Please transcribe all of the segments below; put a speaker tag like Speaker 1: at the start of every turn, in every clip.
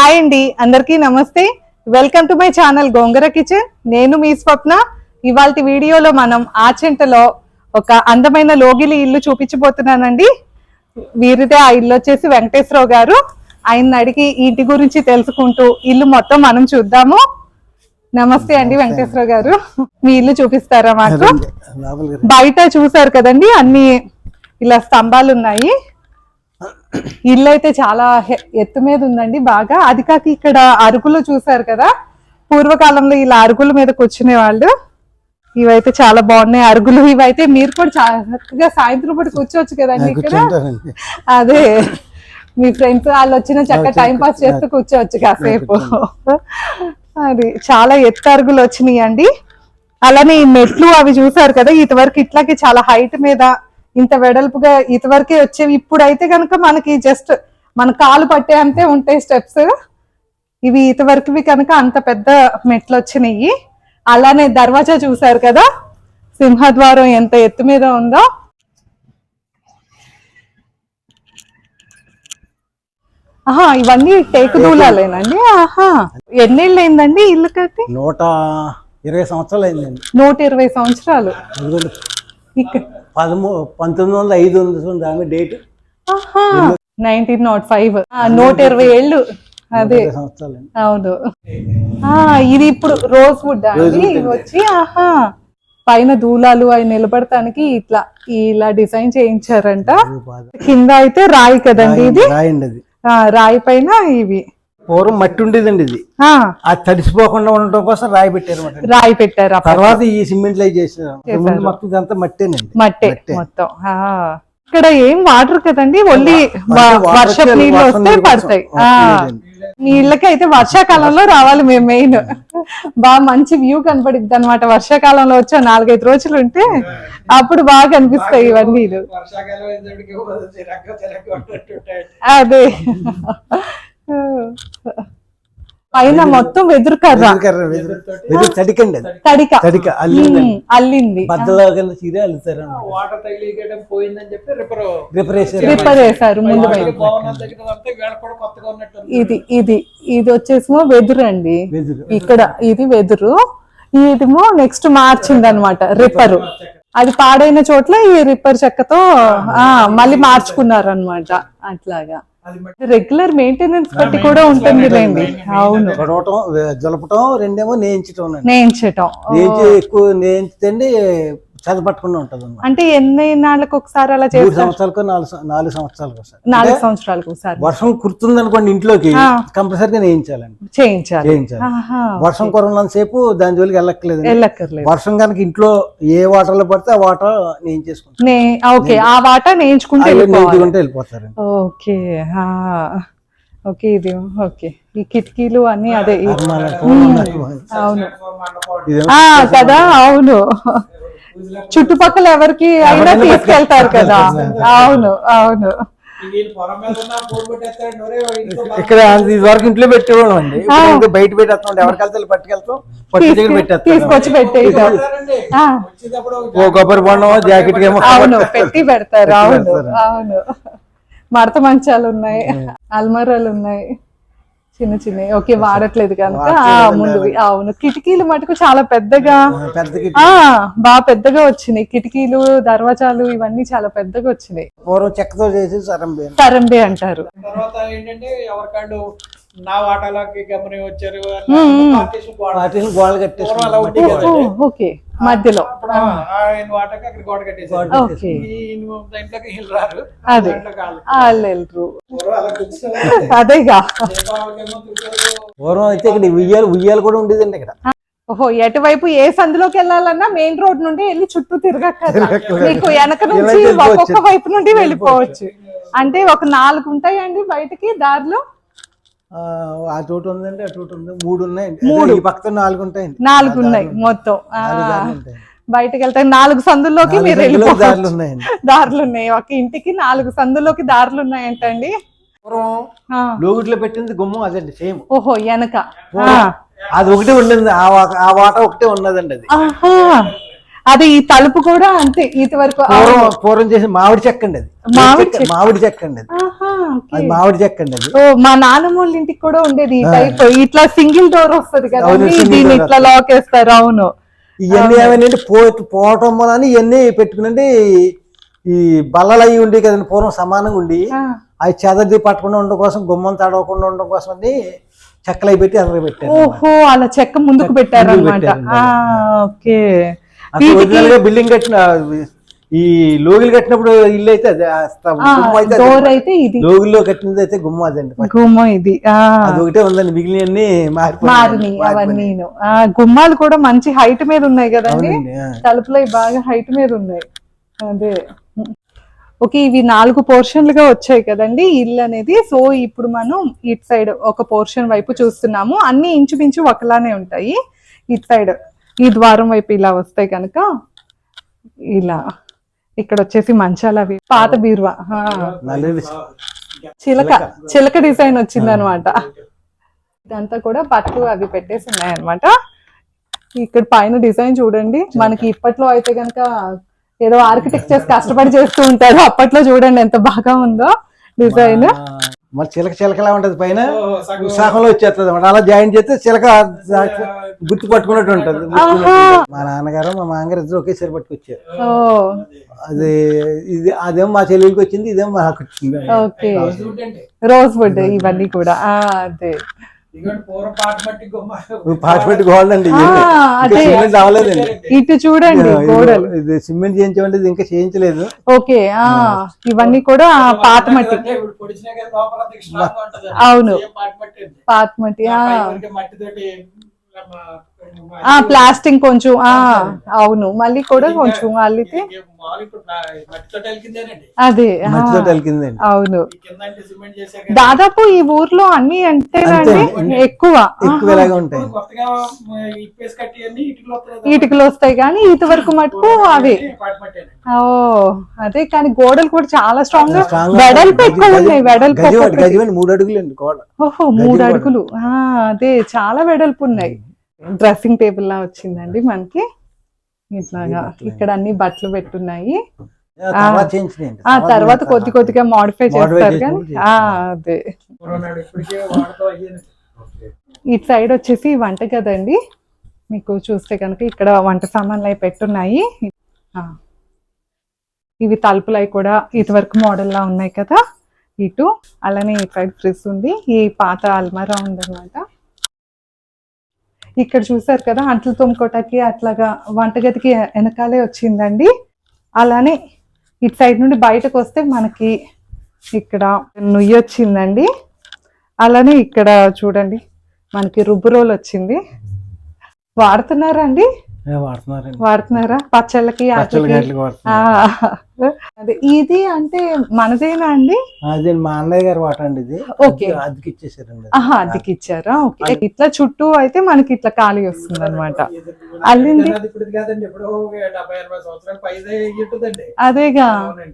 Speaker 1: Hi అండి, అందరికీ నమస్తే. Welcome to my channel Gongura kitchen. నేను మీ స్వప్న. ఇవాల్టి వీడియోలో మనం ఆచెంటలో ఒక అందమైన లోగిలి ఇల్లు చూపించబోతున్నానండి. వీరిదే ఆ ఇల్లు వచ్చేసి వెంకటేశ్వరరావు గారు. ఆయన అడిగి ఇంటి గురించి తెలుసుకుంటూ ఇల్లు మొత్తం మనం చూద్దాము. నమస్తే అండి వెంకటేశ్వరరావు గారు, మీ ఇల్లు చూపిస్తారా మాకు? బయట చూసారు కదండి, అన్ని ఇలా స్తంభాలు ఉన్నాయి. ఇల్లు అయితే చాలా ఎత్తు మీద ఉందండి బాగా. అది కాక ఇక్కడ అరుగులు చూసారు కదా, పూర్వకాలంలో ఇలా అరుగుల మీద కూర్చునే వాళ్ళు. ఇవైతే చాలా బాగున్నాయి అరుగులు. ఇవైతే మీరు కూడా చక్కగా సాయంత్రం పూట కూర్చోవచ్చు కదండి ఇక్కడ. అదే మీ ఫ్రెండ్స్ వాళ్ళు వచ్చిన చక్కగా టైం పాస్ చేస్తూ కూర్చోవచ్చు కాసేపు. అది చాలా ఎత్తు అరుగులు వచ్చినాయి అండి. అలానే ఈ మెట్లు అవి చూసారు కదా, ఇటువరకు ఇట్లాగే చాలా హైట్ మీద ఇంత వెడల్పుగా ఇటువరకే వచ్చేవి. ఇప్పుడైతే కనుక మనకి జస్ట్ మన కాలు పట్టే అంతే ఉంటాయి స్టెప్స్. ఇవి ఇటువరకువి కనుక అంత పెద్ద మెట్లు వచ్చినాయి. అలానే దర్వాజా చూసారు కదా, సింహద్వారం ఎంత ఎత్తు మీద ఉందో. ఆహా, ఇవన్నీ టేకు దూలాలేనండి. ఆహా, ఎన్నేళ్ళు అయిందండి ఇల్లు కట్టి?
Speaker 2: 120 సంవత్సరాలు అయిందండి.
Speaker 1: 120 సంవత్సరాలు.
Speaker 2: 1905 ఉంది ఆమె డేట్.
Speaker 1: 1905. 120 ఏళ్ళు. అదే అవును. ఇది ఇప్పుడు రోజ్ వుడ్ అండి. ఇవి వచ్చి ఆహా పైన దూలాలు అవి నిలబడటానికి ఇట్లా ఇలా డిజైన్ చేయించారంట. కింద అయితే రాయి కదండి ఇది. రాయి పైన ఇవి
Speaker 2: పూర్వం మట్టి ఉండేదండి. ఇది అది తడిసిపోకుండా ఉండటం కోసం రాయి పెట్టారు.
Speaker 1: రాయి పెట్టారు.
Speaker 2: తర్వాత ఈ సిమెంట్ లై చేశారు. మొత్తం ఇదంతా మట్టేనండి.
Speaker 1: మట్టే మొత్తం. ఇక్కడ ఏం వాటర్ కదండి, ఓన్లీ వర్షపు నీళ్ళు వస్తే పడతాయి. నీళ్ళకి అయితే వర్షాకాలంలో రావాలి మేము మెయిన్. బాగా మంచి వ్యూ కనపడిద్ది అనమాట. వర్షాకాలంలో వచ్చా 4-5 రోజులు ఉంటే అప్పుడు బాగా కనిపిస్తాయి ఇవన్నీ. అదే పైన మొత్తం వెదురు కర్ర, తడిక అల్లింది. రిపేర్ చేశారు ముందు. ఇది వచ్చేసేమో వెదురు అండి. ఇక్కడ ఇది వెదురు, ఇదేమో నెక్స్ట్ మార్చింది అనమాట రిప్పరు. అది పాడైన చోట్ల ఈ రిప్పర్ చెక్కతో మళ్ళీ మార్చుకున్నారు అనమాట. అట్లాగా రెగ్యులర్ మెయింటెనెన్స్ బట్టి కూడా ఉంటుంది లేండి. అవును,
Speaker 2: జలపటం రెండేమో నేయించటం. ఎక్కువ నేయించండి చదపట్టకుండా ఉంటది.
Speaker 1: అంటే ఎన్ని నాళ్ళకి ఒకసారి అలా చేస్తారు?
Speaker 2: 3 సంవత్సరాలకు 4 సంవత్సరాలకు ఒకసారి.
Speaker 1: 4 సంవత్సరాలకు ఒకసారి.
Speaker 2: వర్షం కురుతుంది అనుకోండి ఇంట్లోకి, కంపల్సరీగా చేయించాలి. వర్షం కురనంత సేపు దాని జోలికి వెళ్ళక్కర్లేదు. వర్షం కనుక ఇంట్లో ఏ వాటర్ లో పడితే ఆ వాటర్ నేయించేసుకుంటాం.
Speaker 1: ఆ వాటర్ నేయించుకుంటే
Speaker 2: వెళ్ళిపోతారు.
Speaker 1: Okay okay. ఇది ఓకే. ఈ కిటికీలు అన్ని అదే. అవును కదా, అవును. చుట్టుపక్కల ఎవరికి అయినా తీసుకెళ్తారు కదా. అవును అవును.
Speaker 2: ఇక్కడ వరకు ఇంట్లో పెట్టేవాళ్ళం అండి. బయట పెట్టేస్తాం, ఎవరికి వెళ్తే పట్టుకెళ్తాం,
Speaker 1: తీసుకొచ్చి పెట్టేస్తాం.
Speaker 2: కొబ్బరి బొండం జాకెట్
Speaker 1: అవును పెట్టి పెడతారు. అవును అవును. మడత మంచాలు ఉన్నాయి, అల్మారాలు ఉన్నాయి చిన్న చిన్నవి. ఓకే, వాడట్లేదు కనుక ముందువి. అవును, కిటికీలు మటుకు చాలా పెద్దగా బాగా పెద్దగా వచ్చినాయి. కిటికీలు దర్వాజాలు ఇవన్నీ చాలా పెద్దగా వచ్చినాయి.
Speaker 2: పూర్వం చెక్కతో చేసి
Speaker 1: సరంబే అంటారు.
Speaker 3: తర్వాత ఏంటంటే ఎవరికాళ్ళు నా వాటాలకి గమని వచ్చారు,
Speaker 2: గోడలు కట్టేసి
Speaker 1: ఓకే మధ్యలో
Speaker 3: వాటకి అక్కడ గోడ కట్టేసారు. దాంట్లోకి రారు.
Speaker 1: అదే వాళ్ళు అదేగా.
Speaker 2: పూర్వం అయితే ఇక్కడ ఉయ్యాలు కూడా ఉండేదండి ఇక్కడ.
Speaker 1: ఓహో, ఎటువైపు ఏ సందులోకి వెళ్ళాలన్నా మెయిన్ రోడ్ నుండి వెళ్ళి చుట్టూ తిరగక్కర్లా. మీకు వెనక నుంచి ఒక్కొక్క వైపు నుండి వెళ్ళిపోవచ్చు. అంటే ఒక 4 ఉంటాయండి బయటకి దారిలో.
Speaker 2: ఆ చోటు ఉందండి, ఆ చోటు ఉంది. 3 ఉన్నాయండి. ఈ పక్కన 4 ఉంటాయండి.
Speaker 1: 4 ఉన్నాయి మొత్తం. బయటకు వెళ్తే 4 సందుల్లోకి మీరు వెళ్ళిపోవచ్చు. దారులు ఉన్నాయి. ఒక ఇంటికి 4 సందుల్లోకి దారులు ఉన్నాయంటండి.
Speaker 2: లోగిట్లో పెట్టింది గుమ్మం అదండి సేమ్.
Speaker 1: ఓహో, వెనక
Speaker 2: అది ఒకటే ఉండింది. ఆ వాట ఒకటే ఉన్నదండి. అది
Speaker 1: అది ఈ తలుపు కూడా అంతే ఇది వరకు
Speaker 2: పూర్వం చేసి మామిడి చెక్క అండి అది. మామిడి చెక్క అండి అది. అది మామిడి చెక్క అండి అది.
Speaker 1: మా నాన్నమ్మ వాళ్ళ ఇంటికి కూడా ఉండేది ఈ టైప్. ఇట్లా సింగిల్ డోర్ వస్తుంది కదా, దీన్ని ఇట్లా లాక్ వేస్తారు. అవును,
Speaker 2: ఇవన్నీ ఏమైనా పోవటం వల్ల ఇవన్నీ పెట్టుకునండి. ఈ బల్లలు అవి ఉండి కదండి పూర్వం సమానంగా ఉండి, అవి చెదది పట్టకుండా ఉండడం కోసం, గుమ్మం తడవకుండా ఉండడం కోసం అని చెక్కలు అవి పెట్టి అందులో పెట్టారు.
Speaker 1: ఓహో, అలా చెక్క ముందుకు పెట్టారు అనమాట. ఓకే,
Speaker 2: బిల్డింగ్ కట్టిన ఈ లోగిలు కట్టినప్పుడు ఇల్లు అయితే
Speaker 1: డోర్ అయితే ఇది,
Speaker 2: లోగిల్లో కట్టినది అయితే గుమ్మ అదండి.
Speaker 1: గుమ్మ ఇది
Speaker 2: అది ఒకటే ఉందండి, మిగిలినవన్నీ
Speaker 1: మారినాయి అవన్నీ. గుమ్మాలు కూడా మంచి హైట్ మీద ఉన్నాయి కదండి, తలుపులు బాగా హైట్ మీద ఉన్నాయి. అదే ఓకే, ఇవి 4 పోర్షన్లుగా వచ్చాయి కదండి ఇల్లు అనేది. సో ఇప్పుడు మనం ఇటు సైడ్ ఒక పోర్షన్ వైపు చూస్తున్నాము. అన్ని ఇంచుమించు ఒకలానే ఉంటాయి. ఇటు సైడ్ ఈ ద్వారం వైపు ఇలా వస్తాయి కనుక ఇలా. ఇక్కడ వచ్చేసి మంచాలు అవి, పాత బీరువా, చిలక డిజైన్ వచ్చింది అనమాట. ఇదంతా కూడా బట్టలు అవి పెట్టేసి ఉన్నాయన్నమాట. ఇక్కడ పైన డిజైన్ చూడండి. మనకి ఇప్పట్లో అయితే కనుక ఏదో ఆర్కిటెక్చర్స్ కష్టపడి చేస్తూ ఉంటారు, అప్పట్లో చూడండి ఎంత బాగా ఉందో డిజైన్.
Speaker 2: మరి చిలకలా ఉంటది పైన, విశాఖంలో వచ్చేస్తుంది అన్నమాట. అలా జాయిన్ చేస్తే చిలక గుర్తు పట్టుకున్నట్టు ఉంటది. మా నాన్నగారు మా మామగారు ఇద్దరు ఒకేసారి పట్టుకొచ్చారు. అది ఇది అదేమో మా చెల్లెలికి వచ్చింది, ఇదేమో మాకు వచ్చింది.
Speaker 1: ఓకే, రోజ్ వుడ్ ఇవన్నీ కూడా. అదే ఇటు చూడండి గోడలు,
Speaker 2: ఇది సిమెంట్ చేయించమంటే ఇంకా చేయించలేదు.
Speaker 1: ఓకే, ఇవన్నీ కూడా పాత మట్టి. అవును, పాత మట్టి. ప్లాస్టింగ్ కొంచెం, అవును, మళ్ళీ కూడా కొంచెం అల్లితే అదే. అవును, దాదాపు ఈ ఊర్లో అన్ని అంటే ఎక్కువ ఇటుకలు వస్తాయి కానీ ఇది వరకు మటుకు అవి. ఓ అదే, కానీ గోడలు కూడా చాలా స్ట్రాంగ్ గా వెడల్పు ఎక్కువ ఉన్నాయి. వెడల్పు
Speaker 2: 3 అడుగులు.
Speaker 1: ఓహో, 3 అడుగులు. అదే, చాలా వెడల్పు ఉన్నాయి. డ్రెస్సింగ్ టేబుల్ లా వచ్చిందండి మనకి. ఇట్లాగా ఇక్కడ అన్ని బట్టలు పెట్టున్నాయి. తర్వాత కొద్దిగా మోడిఫై చేస్తారు కానీ. అదే, ఇటు సైడ్ వచ్చేసి వంట గదండి. మీకు చూస్తే కనుక ఇక్కడ వంట సామాన్లు అవి పెట్టున్నాయి. ఇవి తలుపులు అవి కూడా ఇటువరకు మోడల్ లా ఉన్నాయి కదా ఇటు. అలానే ఈ సైడ్ ఫ్రిడ్జ్ ఉంది. ఈ పాత అల్మారా ఉందన్నమాట. ఇక్కడ చూసారు కదా అంట్లు తోముకోటానికి అట్లాగా వంటగదికి వెనకాలే వచ్చిందండి. అలానే ఇటు సైడ్ నుండి బయటకు వస్తే మనకి ఇక్కడ నుయ్యి వచ్చిందండి. అలానే ఇక్కడ చూడండి మనకి రుబ్బు రోల్ వచ్చింది. వాడుతున్నారా అండి? వాడుతున్నారా పచ్చళ్ళకి? అదే, ఇది అంటే మనదేనా అండి?
Speaker 2: అదే మా అన్నయ్య గారు వాట అండి ఇది.
Speaker 1: ఓకే,
Speaker 2: అద్దెకి ఇచ్చేసారండి.
Speaker 1: అద్దెకి ఇచ్చారా? ఓకే, ఇట్లా చుట్టూ అయితే మనకి ఇట్లా ఖాళీ వస్తుంది అనమాట. అల్లింది అదేగా.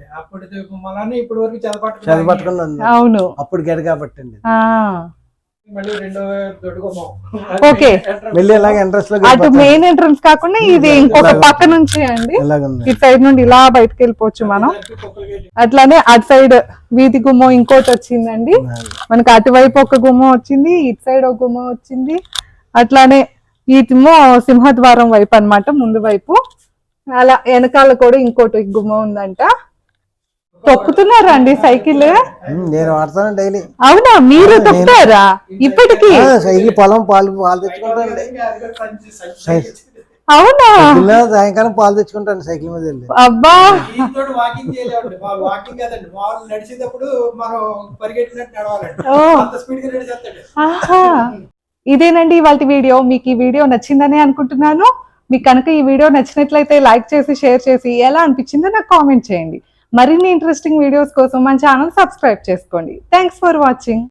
Speaker 1: అవును,
Speaker 2: అప్పుడు గడ కాబట్టి అండి.
Speaker 1: ఓకే, అటు మెయిన్ ఎంట్రన్స్ కాకుండా ఇది ఇంకొక పక్క నుంచి అండి. ఇటు సైడ్ నుండి ఇలా బయటకు వెళ్ళిపోవచ్చు మనం. అట్లానే అటు సైడ్ వీధి గుమ్మం ఇంకోటి వచ్చిందండి మనకి. అటువైపు ఒక గుమ్మం వచ్చింది, ఇటు సైడ్ ఒక గుమ్మం వచ్చింది. అట్లానే ఇటేమో సింహద్వారం వైపు అన్నమాట, ముందు వైపు. అలా వెనకాల కూడా ఇంకోటి గుమ్మం ఉందంట. తొక్కుతున్నారా అండి సైకిల్?
Speaker 2: నేను వాడతాను డైలీ.
Speaker 1: అవునా, మీరు తొక్కుతారా ఇప్పటికి?
Speaker 2: సైకిల్ పొలం పాలు తెచ్చుకుంటాను.
Speaker 1: అవునా,
Speaker 2: సాయంకాలం పాలు తెచ్చుకుంటాను సైకిల్ మీద వెళ్ళి.
Speaker 1: అబ్బా, ఇదేనండి ఇవాళ వీడియో. మీకు ఈ వీడియో నచ్చిందని అనుకుంటున్నాను. మీకు కనుక ఈ వీడియో నచ్చినట్లయితే లైక్ చేసి, షేర్ చేసి, ఎలా అనిపించిందో నాకు కామెంట్ చేయండి. మరిన్ని ఇంట్రెస్టింగ్ వీడియోస్ కోసం మన ఛానల్ సబ్స్క్రైబ్ చేసుకోండి. Thanks for watching.